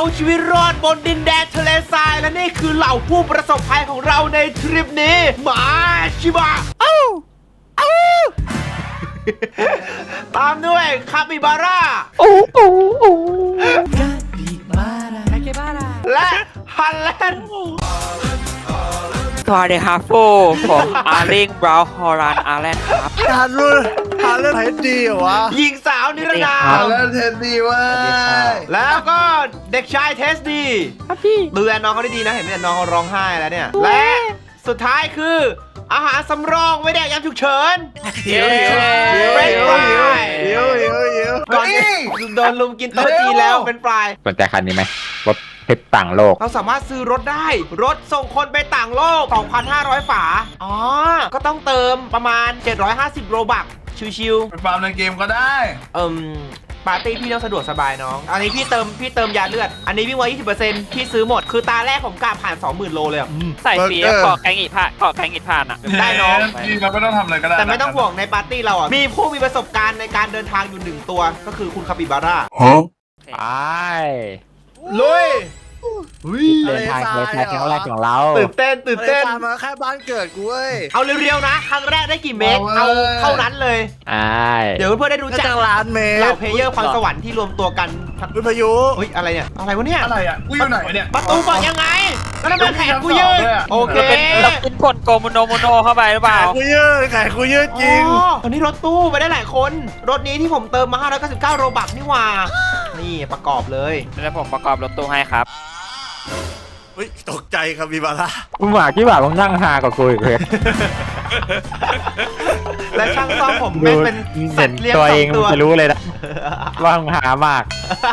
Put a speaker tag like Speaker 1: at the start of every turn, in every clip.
Speaker 1: เอาชีวิตรอดบนดินแดนทะเลทรายและนี่คือเหล่าผู้ประสบภัยของเราในทริปนี้หมาชิบะตามด้วยคาปิบาร่าและฮันแลนด์
Speaker 2: สวัสดีครับฟูผมอาร์ลิงบราวน์ฮอรันอาร์แลนด์ครับ
Speaker 3: หาเรื่องไหนดีเหรอวะ
Speaker 1: หญิงสาวนิรนาม
Speaker 3: เรื่องเทนดีเว้ย
Speaker 1: แล้วก็เด็กชายเทสดีครับพี่ดูแลน้องเขาได้ดีนะเห็นไหมน้องเขาร้องไห้แล้วเนี่ยและสุดท้ายคืออาหารสำรองไว้แดกยามฉุกเฉินก่อนโดนลุมกินโต๊ะจีนแล้วเป็นปลาย
Speaker 4: สนใจคันนี้ไหมรถเพชรต่างโลก
Speaker 1: เราสามารถซื้อรถได้รถส่งคนไปต่างโลก 2,500 ฝาอ๋อก็ต้องเติมประมาณ750โรบักชิว
Speaker 3: ไปฟาร์มในเกมก็ได้
Speaker 1: ปาร์ตี้พี่ต้องสะดวกสบายน้องอันนี้พี่เติมยาเลือดอันนี้วิ่งไว้ 20% พี่ซื้อหมดคือตาแรกผมกล้าผ่าน 20,000 โลเลยอะ
Speaker 2: ใส่สีเกาะแกงอีผ่านเกาะแกงอีผ่านอ่ะ
Speaker 1: ได้น้อง
Speaker 3: นี่เราไม่ต้องทำอะไรก็ได้
Speaker 1: แต่ไม่ต้องห่วงในปาร์ตี้เราอ่ะมีผู้มีประสบการณ์ในการเดินทางอยู่1ตัวก็คือคุณคาปิบาร่า
Speaker 4: ไป
Speaker 1: ลุย
Speaker 4: เดินทางครั้งแรกของเรา
Speaker 1: ตื่นเต้น
Speaker 3: มาแค่บ้านเกิดกูเว้ย
Speaker 1: เอาเร็วๆนะครั้งแรกได้กี่เมตรเอาเท่านั้นเลย
Speaker 4: ใช่
Speaker 1: เดี๋ยวเพื่อนๆได้รู้จัก
Speaker 3: ล้านเมตร
Speaker 1: เหล่าเพลเยอร์พรสวรรค์ที่รวมตัวกัน
Speaker 3: วิทยุ
Speaker 1: เฮ้ยอะไรเนี่ยอะไรวะเนี่ย
Speaker 3: อะไรอ่ะกูอยู่ไหนเนี่ย
Speaker 1: ประตูเปิดยังไงแล้วทำไมแขนกูยืดโอเค
Speaker 2: เราเป็นคนโกโมโนเข้าไปหรือเปล่า
Speaker 3: กูยืดไข่กูยืดจริง
Speaker 1: อ๋อวันนี้รถตู้ไปได้หลายคนรถนี้ที่ผมเติมมา599โรบักนี่หว่านี่ประกอบเลย
Speaker 2: แล้วผมประกอบรถตู้ให้ครับ
Speaker 3: เฮ้ยตกใจครับพี่บาร่า
Speaker 4: มึงหมาที่บ่ามึงนั่งฮากว่ากูอีกเลย
Speaker 1: และช่างซ่อมผมไม่เป็นสั
Speaker 4: เห็
Speaker 1: ต
Speaker 4: น
Speaker 1: ว์เลี้ยง
Speaker 4: ตัว
Speaker 1: สอ
Speaker 4: เอง ง
Speaker 1: ตัว
Speaker 4: จะรู้เลยนะว่ามึงหามาก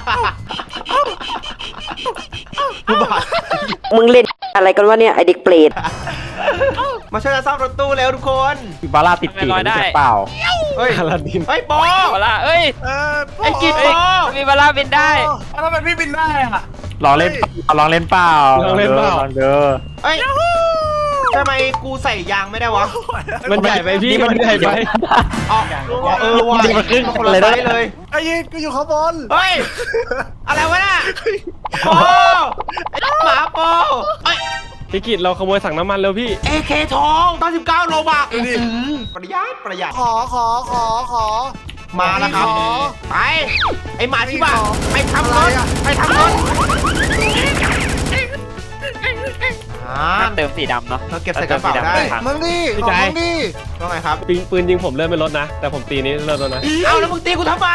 Speaker 5: มึงเล่นอะไรกันวะเนี่ย ไอเด็กเปรต
Speaker 1: มาช่วยกันซ่อมรถตู้แล้วทุกคน
Speaker 4: บาร่าติดปีกรู้จักเปล่า
Speaker 1: เฮ้ย
Speaker 4: คาราดิน
Speaker 1: เฮ้ยโป
Speaker 2: เวลาเอ้ย
Speaker 1: ไอ้กิจโป
Speaker 2: มีเวลาบินได้
Speaker 3: ทำไมพี่บินได้อ่ะ
Speaker 4: ลองเล่นเปล่าลองเด้อ
Speaker 1: เฮ้ยทำไมกูใส่ยางไม่ได้วะ
Speaker 4: มันใหญ่ไปพี่มันใหญ่ไป
Speaker 1: อ๋อว่ะ
Speaker 4: มันขึ้น
Speaker 1: คนละ
Speaker 4: เลย
Speaker 1: ไซ
Speaker 4: นะ
Speaker 1: ส์เลย
Speaker 3: ไอ้ยิงกูอยู่ข้างบน
Speaker 1: เฮ้ยอะไรวะน่ะโปไอ้หมาโปเอ้ย
Speaker 6: พี่กิตเราขโมยสั่งน้ำมันเร็วพี่
Speaker 1: AK ทอง99โลบักประหยัด
Speaker 3: ขอ
Speaker 1: มาแล้วครับ ไป ไอหมาที่บ้านไปทำรถ
Speaker 2: เติมสีดำเนาะ
Speaker 1: เราเก็บใส่กระเป๋าได้
Speaker 3: มึงดิ
Speaker 6: พี่
Speaker 3: ของ
Speaker 6: ใจ
Speaker 3: มึงดิ
Speaker 1: ว่าไงครับ
Speaker 6: ปืนยิงผมเริ่มไม่ลดนะ แต่ผมตีนี้เริ่มแล้วนะ
Speaker 1: เอาแล้วมึงตีกูทำไม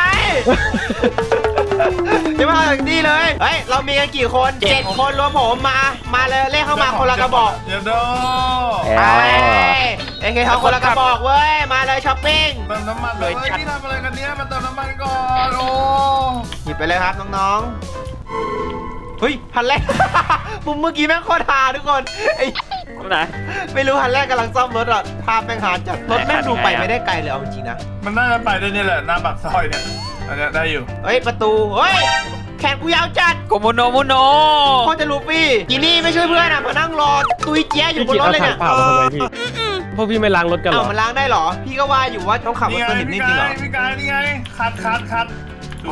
Speaker 1: จะมาถึงนี่เลย เฮ้ย เรามีกันกี่คน7คนรวมผมมาเลยเลขเข้ามาคนละกระบอก
Speaker 3: เดี๋ยวโด
Speaker 1: ไปเอเคเขาคนละกระบอกเว้ย มาเลยช้อปปิ้ง
Speaker 3: เติมน้ำมันเลยพี่ทำอะไรกันเนี้ยมาเติมน้ำมันก่อนโอ้
Speaker 1: หยิบไปเลยครับน้องๆ เฮ้ยพันแรก มุมเมื่อกี้แม่งโคตรฮาทุกคนไอ้
Speaker 2: ไหน
Speaker 1: ไม่รู้พันแรกกำลังซ่อมรถอ่ะภาพแม่งฮาจัดรถแม่งดูไปไม่ได้ไกลเลยเอาจริงๆนะ
Speaker 3: มันน่าจะไปได้นี่แหละหน้าปากซอยเนี่ยอันนี้ได้อยู่
Speaker 1: เฮ้ยประตู เฮ้ยแขนกูยาวจัด
Speaker 2: โกโมโน
Speaker 1: โคตรจะลูฟี่จีนี่ไม่ช่วยเพื่อนอ่ะมานั่งรอตุยเจี๊ยอยู่บน
Speaker 6: พี่กิต
Speaker 1: รถ
Speaker 6: เอา
Speaker 1: เลย
Speaker 6: ถั
Speaker 1: เนี่
Speaker 6: ง
Speaker 1: ย
Speaker 6: เปล่ามาทำไมพี่พวกพี่ไม่ล้างรถกันเหร
Speaker 1: เอ้า
Speaker 6: อ
Speaker 1: มันล้างได้เหรอ พี่ก็ว่าอยู่ว่าต้องขับรถสนิมนี่จริงเหรอ
Speaker 3: พี่กายนี่ไงคัดถู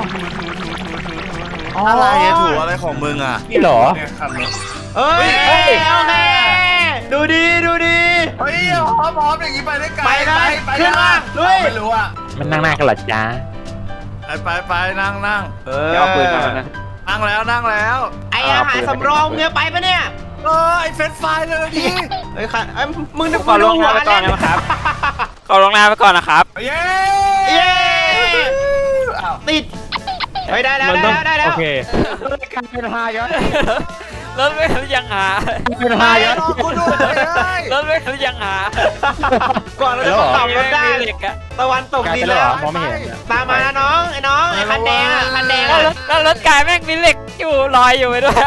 Speaker 1: อะไรอะถู
Speaker 3: อะไรของมึงอ่ะ
Speaker 4: นี่เหรอ
Speaker 3: เนี่ยคัดเลย
Speaker 1: เอ้ยโอเคดูดี
Speaker 3: เฮ้ยพร้อมอย่างนี้ไปได้ไกล
Speaker 1: ไปเลยขึ้นมาลุย
Speaker 3: ไม่รู้อ่ะ
Speaker 4: มันนั่งหน้ากันเหรอจ้า
Speaker 3: ไปนั่ง
Speaker 2: เดี๋ยวเอาปืนมานะ
Speaker 3: นั่งแล้ว
Speaker 1: ไออาหารสำรองเมียไปปะเนี่ย
Speaker 3: ไอ้เฟสไฟเลยดิ
Speaker 1: เฮ้ยค่ะมึงนึก
Speaker 2: ขอลงนาไปก่อนนะครับขอลงนาไปก่อนนะครับ
Speaker 3: เย้
Speaker 1: เย้ติดเฮ้ยได้แล้ว
Speaker 6: มันต้อง โอเค
Speaker 4: เป็นฮาเยอะ
Speaker 2: รถไม่ยังหา
Speaker 4: เป็นฮาเยอะ
Speaker 3: รอกูด้วย
Speaker 2: รถไม่ยังหา
Speaker 1: ก่อนเราจะมาขับรถได้
Speaker 2: มีเหล็กอะ
Speaker 1: ตะวันตก
Speaker 4: กลาย
Speaker 1: ดิ
Speaker 4: เป็น นเหร
Speaker 1: แล้
Speaker 4: อ
Speaker 1: ว
Speaker 4: มองไม่เห็น
Speaker 1: ตามมานะน้องไอ้คันแดงอ่ะคันแดง
Speaker 2: แล้ว
Speaker 1: อ่ะ
Speaker 2: รถกายแม่งมีเหล็กอยู่ลอยอยู่ไปด้วย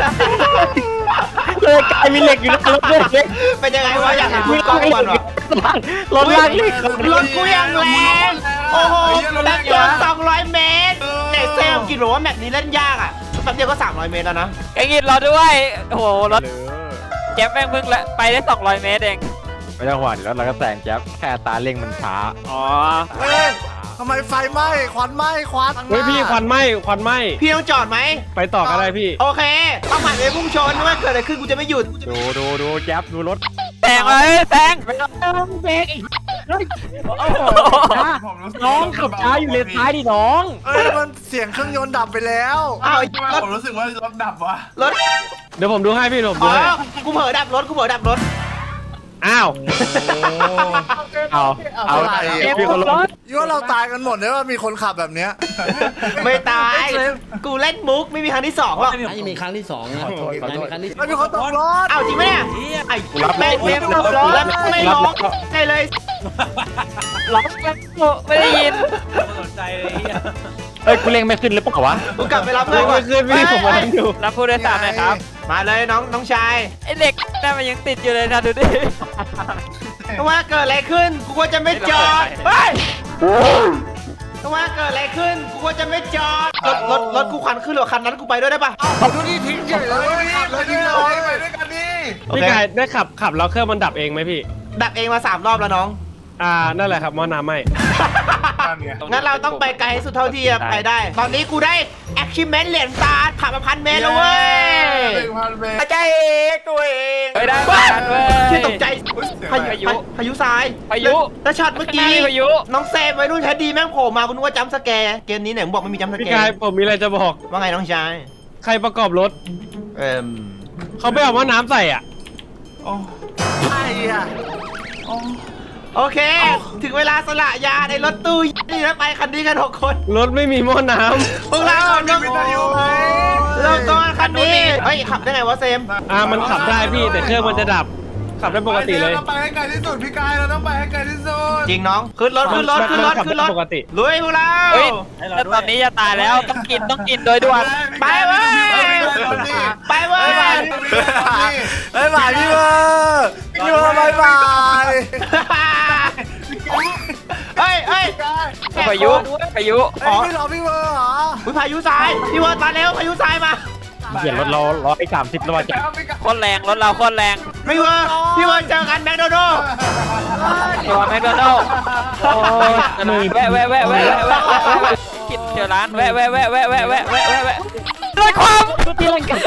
Speaker 4: เลยกลายมีเหล็กอยู่ในรถเลย
Speaker 1: เป็นยังไงวะอยากเห็นคุณกล้องก่อนวะ
Speaker 4: รถลากเหล็ก
Speaker 1: รถกูยังแรงโอ้โหแรงเกิน200 เมตรแต่เซลกินบอกว่าแมปนี้เล่นยากอ่ะแป๊บเดียวก็300 เมตรแล้วนะ
Speaker 2: ไอ้งิดรอด้วยโอ้โหรถแก๊ปแม่งเพิ่งไปได้200 เมตรเอง
Speaker 4: ไม่ต้องห่วงเดี๋ยวเราก็แซงแจ๊บแค่ตาเร่งมันช้า
Speaker 2: อ๋อ
Speaker 3: เฮ้ยทำไมไฟไหม้ควันไหม้ควัน
Speaker 6: เฮ้ยพี่ควันไหม้
Speaker 1: พี่ต้องจอดไหม
Speaker 6: ไปต่อก็ได้พี่
Speaker 1: โอเคต้องผ่านไปพุ่งชนว่าเกิดอะไรขึ้นกูจะไม่หยุด
Speaker 4: ดูแจ๊บดูรถ
Speaker 2: แซงเลยแซง
Speaker 4: น้องขับช้าอยู่เลนซ้ายดิน้อง
Speaker 3: เอ้ยมันเสียงเครื่องยนต์ดับไปแล้ว
Speaker 1: อ้าว
Speaker 3: ทำไม
Speaker 1: รถ
Speaker 3: ผมรู้สึกว่ารถดับวะ
Speaker 1: รถ
Speaker 6: เดี๋ยวผมดูให้พี่ผม
Speaker 1: อ๋
Speaker 6: ดู
Speaker 1: อ
Speaker 6: ให้
Speaker 1: กูเผลอดับรถกูเผลอดับรถ
Speaker 6: อ้าว
Speaker 4: เอา
Speaker 3: อะไร
Speaker 4: พี่คนรถ
Speaker 3: ยี่ว่าเราตายกันหมดเลยว่ามีคนขับแบบเนี้ย
Speaker 1: ไม่ตาย กูเล่นมุกไม่มีครั้งที่สองหรอก
Speaker 7: ไม่มีครั้งที่สองนะ
Speaker 4: ขอโทษ
Speaker 7: ไม่มีครั้งที่
Speaker 3: ไม่มีคนตกรถ
Speaker 1: อ้าวจริงไหมเนี่ยไอ้
Speaker 4: กูรับ
Speaker 1: แม่ง
Speaker 4: กูรับ
Speaker 1: ตกรถแล้วไม่ร้องใช่เลย
Speaker 2: ร้องไม่ได้ยิน
Speaker 4: เอ้ยกูเล็งไม่ขึ้นหรือเปล่าวะ
Speaker 1: กูกลับไปรับเพื่
Speaker 6: เฮ้
Speaker 1: อย นก่อน
Speaker 6: ขึ้นพี่ผมมา
Speaker 1: เฮ้ย
Speaker 6: ดู
Speaker 2: รับผู้โดยสารหน่อยครับ
Speaker 1: มาเลยน้องชาย
Speaker 2: ไอเด็กนั่นมันยังติดอยู่เลยนะดูดิ
Speaker 1: ว่าเกิดอะไรขึ้นกูก็จะไม่จอดเฮ้ยว่าเกิดอะไรขึ้นกูก็จะไม่จอดรถกูควันขึ้นหรือคันนั้นกูไปด้วยได้ปะ
Speaker 3: ดูนี่ทิ้งเฉยเลยขับเลยทิ้งเลยไปด้วยกันดิ
Speaker 1: โอ
Speaker 6: พี่
Speaker 1: เค
Speaker 6: กายได้ขับแล้วเครื่องมันดับเองไหมพี่
Speaker 1: ดับเองมา3 รอบแล้วน้อง
Speaker 6: นั่นแหละครับหม้อน้ำไหม
Speaker 1: งั้นเราต้องไปไกลที่สุดเท่าที่จะไปได้ ตอนนี้กูได้ achievement เหรียญตาขับมา1,000 เมตรแล้วเว้ย
Speaker 3: 1,000 เมตร
Speaker 1: ใจเองตัวเอง
Speaker 2: เฮ้ยได้
Speaker 1: เว้ย
Speaker 2: เว้ย
Speaker 1: ชื่อตกใจ
Speaker 2: พายุ
Speaker 1: พายุทราย
Speaker 2: พายุ
Speaker 1: แล้วช็อตเมื่อกี้
Speaker 2: พายุ
Speaker 1: น้องเซมไว้รุ่นแท้ดีแม่งโผล่มาคุณนึกว่าจัมป์สแกร์เกมนี้ไหนมึงบอกไม่มีจัมป์ส
Speaker 6: พี่
Speaker 1: แก
Speaker 6: กาย
Speaker 1: ร์
Speaker 6: ผมมีอะไรจะบอก
Speaker 1: ว่าไงน้องชาย
Speaker 6: ใครประกอบรถ
Speaker 1: เอ่ม
Speaker 6: เขาไม่เอาหม้อน้ำใส่อ่ะ
Speaker 3: ใช่อ่ะ
Speaker 1: โอเค ถึงเวลาสละยาในรถตู้นี่แล้วไปคันนี้กัน6 คน
Speaker 6: รถไม่มีหม้อน้
Speaker 1: พวกเราต้อง
Speaker 3: วิทยุไหม
Speaker 1: เริ่มต้นคันนี้เฮ้ยขับได้ไงวะเซม
Speaker 6: ำมันขับได้พี่แต่เครื่องมันจะดับ ขับได้ปกติเลย
Speaker 3: เราไปให้ไกลที่สุดพี่กายเราต้องไปให้ไกลที่สุด
Speaker 1: จริงน้องขึ้นรถขึ้นรถขึ้นรถ
Speaker 6: ขับ
Speaker 1: ขึ้นร
Speaker 6: ได้
Speaker 1: ถ
Speaker 6: ปกติ
Speaker 1: ลุยพวกเรา
Speaker 2: เฮ้ยแล้วตอนนี้จะตายแล้วต้องกินโดยด่วน
Speaker 1: ไปเว้ยไปเว้ย
Speaker 3: บ๊ายบายพี่เบอร์พี่เบอร์บ๊ายบาย
Speaker 1: เฮ้ยเฮ้ย
Speaker 2: พายุ
Speaker 3: ไม่รอพี่เบอร์เหรอ
Speaker 1: อุ๊ยพายุทรายพี่เวิร์ดมาเร็วพายุทรายมา
Speaker 4: เปลี่ยนรถเรา130แล้วว่ะจ๊ะ
Speaker 2: โคตรแรงรถเราโคตรแรง
Speaker 1: พี่เวิร์ดเจอกันแมคโดนัลด์
Speaker 2: ตัวแมคโดนัลด์โอ้ยแวะกินเจอร้านแวะเลยความตีลังกา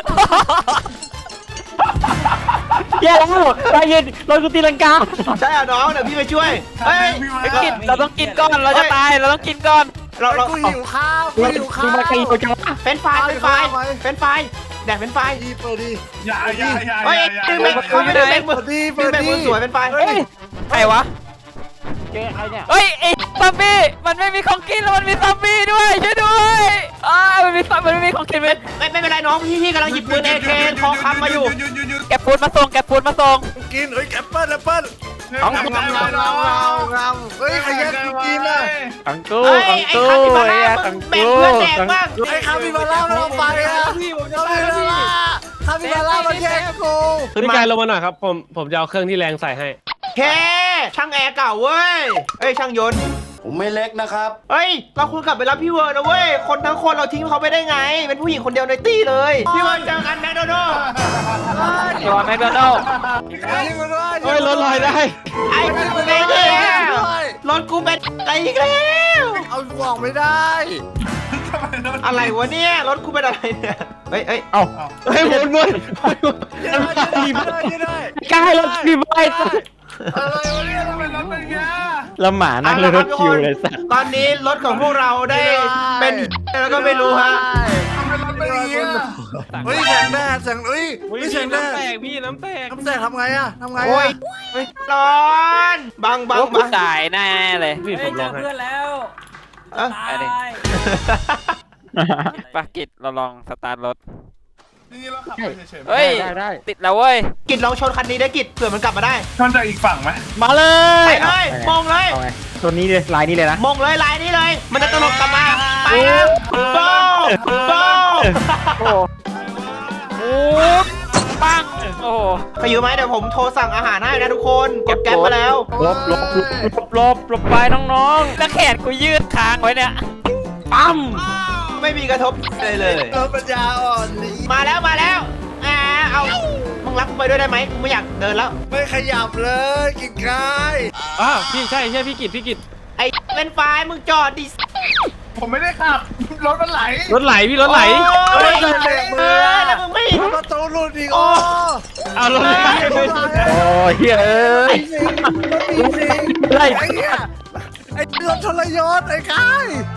Speaker 4: แย่แล้วใจเย็นรถกูตีลังกา
Speaker 1: ใช่เหรอน้องเดี๋ยวพี่ไปช่วยเฮ้ย
Speaker 2: ไปกินเราต้องกินก่อนเราจะตายเราต้องกินก่อน
Speaker 1: เรา
Speaker 3: กูหิวข้าวกูหิวข้าว
Speaker 4: มาไกลโอจัง
Speaker 1: เป็นไฟแดกเป็นไฟ
Speaker 3: ดีเปิดดี
Speaker 1: เฮ้ยดึงไปเขาไม่ได้เป็นมือ
Speaker 3: เปิด
Speaker 1: เป็น
Speaker 3: ดี
Speaker 1: มือสวยเป็นไฟ
Speaker 2: เฮ้ยใครวะ
Speaker 4: เจอใครเนี่ย
Speaker 2: เฮ้ยไอ้ซอมบี้มันไม่มีของกินแล้วมันมีซอมบี้ด้วยช่วยด้วยมันไม่มีของกิน
Speaker 1: ไม่เป็นไรน้องพี่กำลังหยิบปืน AK คอคำมาอยู่
Speaker 2: แกปูนมาส่ง
Speaker 3: กินเฮ้ยแอปเปิ้ลเฮ้ยใครแย่งกินอ่ะ
Speaker 4: ตังตู้
Speaker 1: เฮ้ย
Speaker 4: ตัง
Speaker 1: ไอ้
Speaker 4: ตู้
Speaker 1: คาปิบาร่า
Speaker 4: ตั
Speaker 1: มึ
Speaker 4: ง
Speaker 1: งแบ่ง
Speaker 4: ตู้
Speaker 1: เพื่อนแดกบ้าง
Speaker 3: ไอ้คาปิบาร่ามันเอาไปอ่ะพี่ผมจะไปแล้วพี่คาปิบาร่ามันแย่งกู
Speaker 1: ขึ้น
Speaker 6: พี่
Speaker 1: มา
Speaker 6: กายลงมาหน่อยครับผมจะเอาเครื่องที่แรงใส่ให้
Speaker 1: เคช่างแอร์เก่าเว้ยเอ้ยช่างยนต์
Speaker 3: ผมไม่เล็กนะครับ
Speaker 1: เฮ้ยเราควรกลับไปรับพี่เวิร์ดนะเว้ยคนทั้งคนเราทิ้งเขาไปได้ไง เป็นผู้หญิงคนเดียวในตี้เลยพี่เวิร์ดเจอกันแมคโดนัลด์
Speaker 2: ตัวแมคโดนัลด์
Speaker 6: เฮ้ยรถลอยได้
Speaker 1: ไอ้กูเป็นรถกูเป็นอะไรอีกแล้ว
Speaker 3: เอากล่องไม่ได้
Speaker 1: อะไรวะเนี่ยรถกูเป็นอะไรเนี่ยเฮ้ย
Speaker 4: เอ้า
Speaker 6: เฮ้ยหมุน
Speaker 4: กายรถดีไป
Speaker 3: อะไรวะเนี่ยทำไมรถเป็นอย่างเงี้ย
Speaker 4: แล้วหมานั่งเลยรถคิวเลยสัตว์
Speaker 1: ตอนนี้รถของพวกเราได้เป็นแล้วก็ไม่รู้ฮะ
Speaker 3: ทำไมรถเป็นอย่างเงี้ยเฮ้ยแสงแดดแสงเฮ้ยไม่แสงแดด
Speaker 6: พี่น้ำแตก
Speaker 3: น้ำแสงทำไงอะทำไง
Speaker 1: โอ้ย
Speaker 3: อะ
Speaker 1: ร้อนบัง
Speaker 2: พวกกูตายแน่เลย
Speaker 6: พี่ผมลองให้
Speaker 1: เอ้า
Speaker 2: ไปดิปากิจเราลองสตาร์ทรถ
Speaker 3: นี่เราขับไปเฉยๆ
Speaker 2: เฮ้ย
Speaker 4: ได้
Speaker 2: ติดแล้วเว้ย
Speaker 1: กิดลองชนคันนี้ได้กิดเผื่อมันกลับมาได้
Speaker 3: ชนจากอีกฝั่งไหม
Speaker 4: มาเล
Speaker 1: ไป
Speaker 4: ย
Speaker 1: เลยมงเลย
Speaker 4: เอาไงตัวนี้เลยลายนี้เลยนะ
Speaker 1: มงเลยลายนี้เลย มันจะตลบกลับมาไปครับโบ้โบ้
Speaker 4: โอ้
Speaker 2: โอ้ปังโอ้
Speaker 1: ใครอยู่ไหมเดี๋ยวผมโทรสั่งอาหารให้นะทุกคนกดแก๊ปมาแล้ว
Speaker 4: ลบไปน้อง
Speaker 2: แล้วแขนกูยืดค้างไว้เนี่ย
Speaker 1: ปั๊มไม่มีกระทบเลย
Speaker 3: รถปัญญาอ่อนนี่
Speaker 1: มาแล้วเอามึงรับกูไปด้วยได้ไหมกูไม่อยากเดินแล้ว
Speaker 3: ไม่ขยับเลยกินกาย
Speaker 6: พี่ใช่พี่กิจ
Speaker 1: ไอ้เป็นไฟมึงจอดดิ
Speaker 7: ผมไม่ได้ขับรถมันไหล
Speaker 6: รถไหลพี่รถไหล
Speaker 1: โอ้ย
Speaker 3: รถไหล
Speaker 1: แล้วมึงไม่
Speaker 3: ประตูหลุดอีกโอ้
Speaker 6: เอารถไหล
Speaker 4: โอ้ยเฮ้ย
Speaker 3: ไอ้เหี้ยไอ้รถทรยศไอ้กาย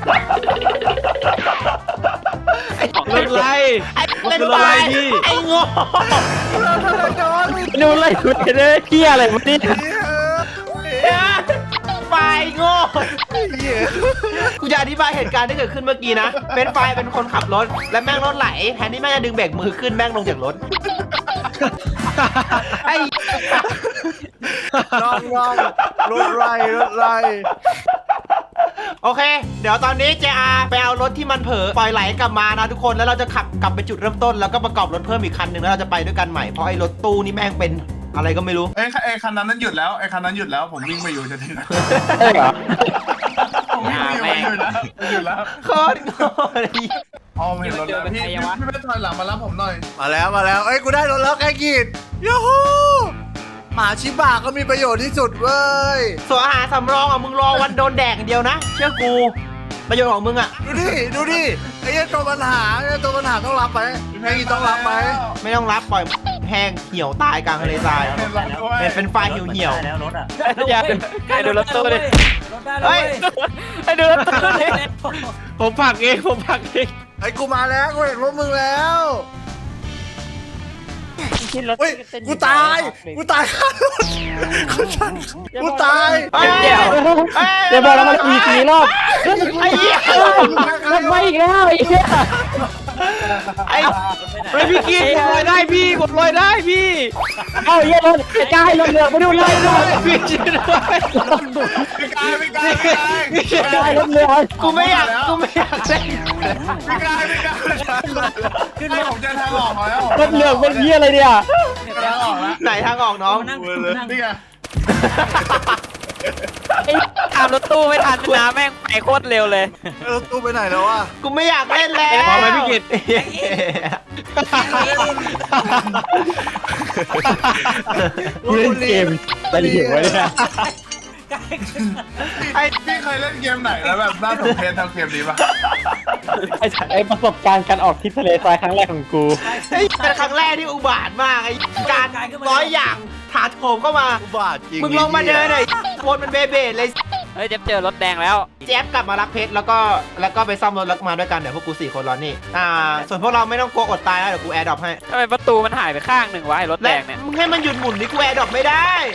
Speaker 6: รถไหล
Speaker 1: ไอ้เป็น
Speaker 6: รถ
Speaker 1: ไฟ
Speaker 6: ไหลพี่
Speaker 1: ไอ้โง่
Speaker 3: รถทรยศ
Speaker 4: ดูอะไรกูเนี่ยเฮียอะไรมันนี่
Speaker 1: ไฟโง่
Speaker 3: เหี้ย
Speaker 1: กูจะอธิบายเหตุการณ์ที่เกิดขึ้นเมื่อกี้นะเป็นไฟเป็นคนขับรถและแม่งรถไหลแทนที่แม่งจะดึงเบรกมือขึ้นแม่งลงจากรถไอ้
Speaker 3: น้องรถไรรถไร
Speaker 1: โอเค เดี๋ยวตอนนี้เจอาไปเอารถที่มันเผลอปล่อยไหลกลับมานะทุกคนแล้วเราจะขับกลับไปจุดเริ่มต้นแล้วก็ประกอบรถเพิ่มอีกคันหนึ่งแล้วเราจะไปด้วยกันใหม่เพราะไอ้รถตู้นี่แม่งเป็นอะไรก็ไม่รู้
Speaker 7: ไอ้คันนั้นหยุดแล้วไอ้คันนั้นหยุดแล้วผมวิ่งไปอยู่จะถึงแล้ว
Speaker 4: ใช่เหรอ
Speaker 7: ผมวิ่งไปอยู่หยุดแล้ว
Speaker 1: โคตรโง่เลย
Speaker 7: อ๋อเห็นรถแล้วพี่ไม่ถอยหลังมารับผมหน่อย
Speaker 3: มาแล้วเอ้ยกูได้รถแล้วไอ้กีดยูฮูหมาชิบะก็มีประโยชน์ที่สุดเว้ย
Speaker 1: ส่วนอาหารสำรองอ่ะมึงรอวันโดนแดกอย่างเดียวนะเชื่อกูประโยชน์ของมึงอ่ะ
Speaker 3: ดูดิไอ้เหี้ยตัวปัญหาต้องรับไปไอ้กีต้องรับไป
Speaker 1: ไม่ต้องรับปล่อยแห้งเหี่ยวตายกลางทะเลทราย เป็นไฟเหี่ยว
Speaker 2: อย่าให้ดูรถตู้ดิ
Speaker 1: เฮ้ย
Speaker 2: ให้ดูรถตู้ดิ
Speaker 6: ผมผลักเองผมผลักเอง
Speaker 3: ไอ้กูมาแล้วกูเห็นรถมึงแล้วเฮ้ยกูตายกูตายกูตาย
Speaker 1: เฮ้ย
Speaker 2: เดี๋ยว
Speaker 4: เดี๋ยวบอกแล้วมันอีกกี่รอบ
Speaker 1: ไอ้เหี้ย
Speaker 4: มันไม่อีกแล้วไอ้เหี้ย
Speaker 1: ไอ้
Speaker 6: เฮ้ยพี่กิ๊กลอยได้พี่กดลอยได้พี่
Speaker 4: เอ้าเหี้ยรถกระจายรถเหลือไปดูเลย
Speaker 6: พี่ช่วยด้วย
Speaker 7: พี่กายพี่กายพี่กาย
Speaker 4: กระจายรถเหลือ
Speaker 1: กูไม่อยากเล่น
Speaker 7: พี่กายขึ้นมาผมเจอทางออกแล้ว
Speaker 4: รถเหลือเป็นเหี้ยอะไรเนี่ย
Speaker 7: ทางออกแล้ว
Speaker 1: ไหนทางออกน้อง
Speaker 7: นี่ไง
Speaker 2: ตามรถตู้ไม่ทันนะแม่งไปโคตรเร็วเลย
Speaker 3: รถตู้ไปไหนแล้ววะ
Speaker 1: กูไม่อยากเล่นแล้ว
Speaker 6: พอไหมพี่กิต
Speaker 4: เล่นเกมอะไรอยู่วะเนี่ย
Speaker 7: พี่เคยเล่นเกมไหนแล้วแบบน่าสนใจทำเกมนี้ปะ
Speaker 4: ไอ้ประสบการณ์การออกทริปทะเลทรายครั้งแรกของกู
Speaker 1: ไอ้เป็นครั้งแรกที่อุบาทมากไอ้การร้อยอย่างถาโถมเข้ามา
Speaker 3: อุบาทจริง
Speaker 1: มึงลงมาเดินหน่อยวนมันเบเบดเลย
Speaker 2: เฮ้ยเจอรถแดงแล้ว
Speaker 1: แจ๊บกลับมารับเพชรแล้วก็ไปซ่อมรถแล้วมาด้วยกันเดี๋ยวพวกกู4 คนรอนี่ส่วนพวกเราไม่ต้องกลัวอดตายนะเดี๋ยวกูแอร์ดรอปให้
Speaker 2: ทำไมประตูมันหายไปข้างหนึ่งวะไอ้รถแด
Speaker 1: และ
Speaker 2: งเนี่ย
Speaker 1: มึงให้มันหยุดหมุนดิกูแอร์ดรอปไม่ได้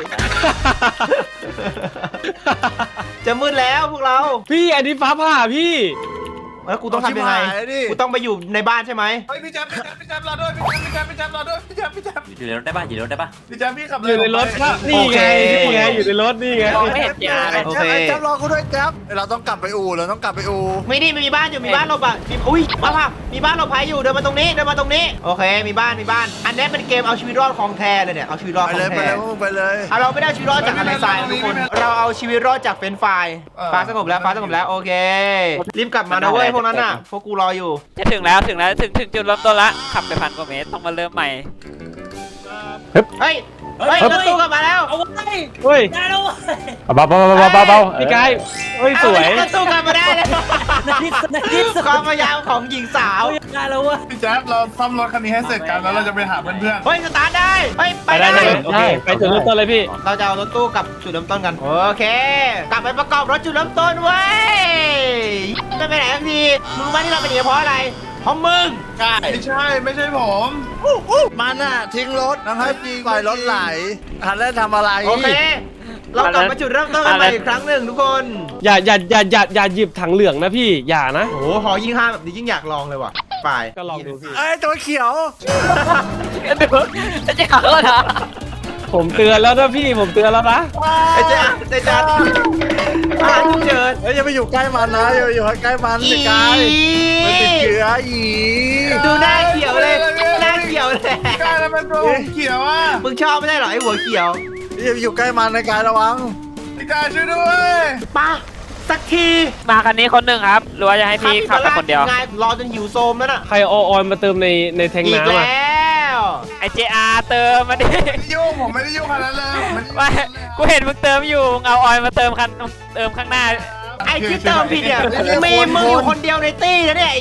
Speaker 1: จะมืดแล้วพวกเรา
Speaker 6: พี่อันนี้ฟ้าผ่าพี่
Speaker 1: แล้วกูต้องทำยังไงกูต้องไปอยู่ในบ้านใช่ไหม
Speaker 7: เฮ้ยพี่แจ๊บรอด้วยพี่แจ๊บรอด้วยพี่แจ๊บอยู่ในรถได้ปะอยู่ในรถได้ปะพี่แจ๊บพี่ขับ
Speaker 6: อยู่ในรถก็นี่ไงนี่ไงอยู่ในรถนี่ไง
Speaker 2: มองไม่เห็นยาเลย
Speaker 1: โอเค
Speaker 3: แจ๊บรอกูด้วยแจ๊บเราต้องกลับไปอู่
Speaker 1: ไม่นี่มีบ้านอยู่มีบ้านหลบอ่ะอุ้ยมาป่ะมีบ้านหลบภัยอยู่เดินมาตรงนี้โอเคมีบ้านอันนี้เป็นเกมเอาชีวิตรอดของแท้เลยเนี่ยเอาชีวิตรอด
Speaker 3: ไป
Speaker 1: ของ
Speaker 3: เลยไป
Speaker 1: แท้
Speaker 3: เลยมึงไปเลย
Speaker 1: เราไม่ได้เอาชีวิตรอดจากทะเลทรายนะทุกคนเราเอาชีวิตรอดจากเฟรนช์ฟรายฟ้าสงบแล้วโอเครีบกลับมานะเว้ยพวกนั้นน่ะพวกกูรออยู่
Speaker 2: จะถึงแล้วถึงจุดเริ่มต้นละขับไป1,000 กว่าเมตรต้องมาเริ่มใหม่
Speaker 1: เฮ้ยรถตู้กลับมาแล้ว
Speaker 6: เฮ้ย
Speaker 4: เบาๆ
Speaker 6: พี่กายเฮ้ยสวย
Speaker 1: รถตู้กลับมาได้แล้วความพยายามของหญิงสาว
Speaker 7: พี่แจ๊บเราซ่อมรถคันนี้ให้เสร็จกันแล้วเราจะไปหาเพื่อน
Speaker 1: เฮ้ยสตาร์ทได้เฮ้ยไป
Speaker 6: ไปได้
Speaker 1: ได้
Speaker 6: เลยโอเคไปจุดเริ่มต้นเลยพี่
Speaker 1: เราจะเอารถตู้กลับจุดเริ่มต้นกันโอเค กลับไปประกอบรถจุดเริ่มต้นเว้ยไม่ไปไหนทันทีมึงรู้ไหมที่เราเป็นอย่างนี้เพราะอะไรเพราะมึง
Speaker 3: ใช่
Speaker 7: ๆไม่ใช่ผม
Speaker 3: มันน่ะทิ้งรถแล้วให้ปล่อยรถไหลทันได้ทำอะไร
Speaker 1: โอเค เรากลับมาจุดเริ่มต้นกันใหม่อีกครั้งหนึ่งทุกคน
Speaker 6: อย่าหยิบถังเหลืองนะพี่อย่านะ
Speaker 1: โอ้โหหอยิ่งห้าแบบนี้ยิ่งอยากลองเลยว่ะไป
Speaker 6: ก็ลองดูพี่
Speaker 3: ไอ้ตัวเขียว
Speaker 2: จะขับรถเหรอ
Speaker 6: ผมเตือนแล้วนะพี่ผมเตือนแล้วนะ
Speaker 1: ไอ้เจ๊อาทุกเชิญ
Speaker 3: เฮ้ยอย่าไปอยู่ใกล้มันนะอย่าไปอยู่ใกล้มันสิกายมันติดเชื้ออี
Speaker 1: ดูหน้าเขียวเลยหน้าเขียวเลย
Speaker 7: กายแล้วเป็นตัวผมเขียวอ่ะ
Speaker 1: มึงชอบไม่ได้หรอไอ้หัวเขียว
Speaker 3: อย่าไปอยู่ใกล้มันในกายระวัง
Speaker 7: พี่กายช่วยด้วย
Speaker 1: มาสักที
Speaker 2: มาคันนี้คนหนึ่งครับหรือว่าจะให้พี่ขับไปคนเดียว
Speaker 1: ไงรอจนหิวโซมแล้วน่ะ
Speaker 6: ใครเอาออยล์มาเติมในแทง
Speaker 1: อีก
Speaker 6: น้ำอ่ะ
Speaker 1: แล้ว
Speaker 2: ไอเจอาเติมมาดิ
Speaker 7: ไม่ได้ยุ่งผมไม่ได้ยุ่งขนาดนั้นเลย
Speaker 2: ไม่กูเห็นมึงเติมอยู่มึงเอาออยล์มาเติมเติมข้างหน้า
Speaker 1: ไอ้ที่เติมผิดเนี่ยมีมึงอยู่คนเดียวในตี้นะเนี่ย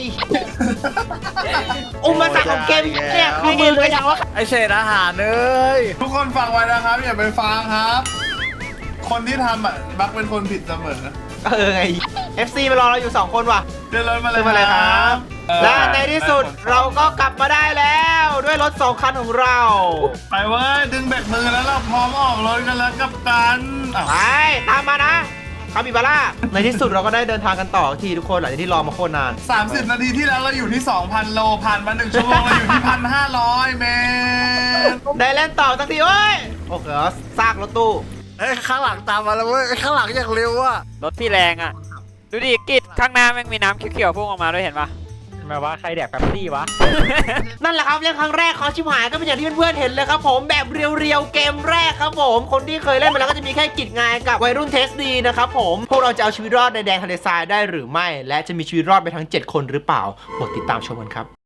Speaker 1: อุปสรรคของเกมเนี่ยคือมึงเลยว่า
Speaker 3: ไอเศษอาหารเอ้ย
Speaker 7: ทุกคนฟังไว้นะครับอย่าไปฟังครับ คนที่ทำอ่ะมักเป็นคนผิดเสมอ
Speaker 1: ไง FC มารอเราอยู่2คนว่ะ
Speaker 7: เดินรถมาเลย
Speaker 1: ขึ้นมาเลยครับ และในที่สุดเราก็กลับมาได้แล้วด้วยรถ2คันของเรา
Speaker 7: ไปเว้ยดึงแบกมือแล้วเราพร้อมออกรถกันแล้วกับกันอ้าว
Speaker 1: ไปตามมานะคาบิบาร่าในที่สุดเราก็ได้เดินทางกันต่อทีทุกคนหลังจากที่รอมาโคตรนาน
Speaker 7: 30 นาทีที่แล้วเราอยู่ที่ 2,000 โลผ่านมา1 ชั่วโมงเราอยู่ที่ 1,500 เมตร
Speaker 1: ได้เล่นต่อสักทีโอ้ยโอเคซากรถตู้
Speaker 3: เอ้ยข้างหลังตามมาแล้วเว้ยข้างหลังอย่างเร็วอ่ะ
Speaker 2: รถพี่แรงอ่ะ ดูดิกิดข้างหน้าแม่งมีน้ำเขียวๆพุ่งออกมาด้วยเห็นปะ
Speaker 4: ทำไมวะใครแดกแป๊บซี่วะ
Speaker 1: นั่นแหละครับเล่นครั้งแรกของชิบหายก็เป็นอย่างที่เพื่อนๆเห็นเลยครับผมแบบเรียวๆเกมแรกครับผมคนที่เคยเล่นมาแล้วก็จะมีแค่กิจงานกับวัยรุ่นเทสดีนะครับผมพวกเราจะเอาชีวิตรอดในแดนทะเลทรายได้หรือไม่ และจะมีชีวิตรอดไปทั้ง7 คนหรือเปล่าโปรดติดตามชมกันครับ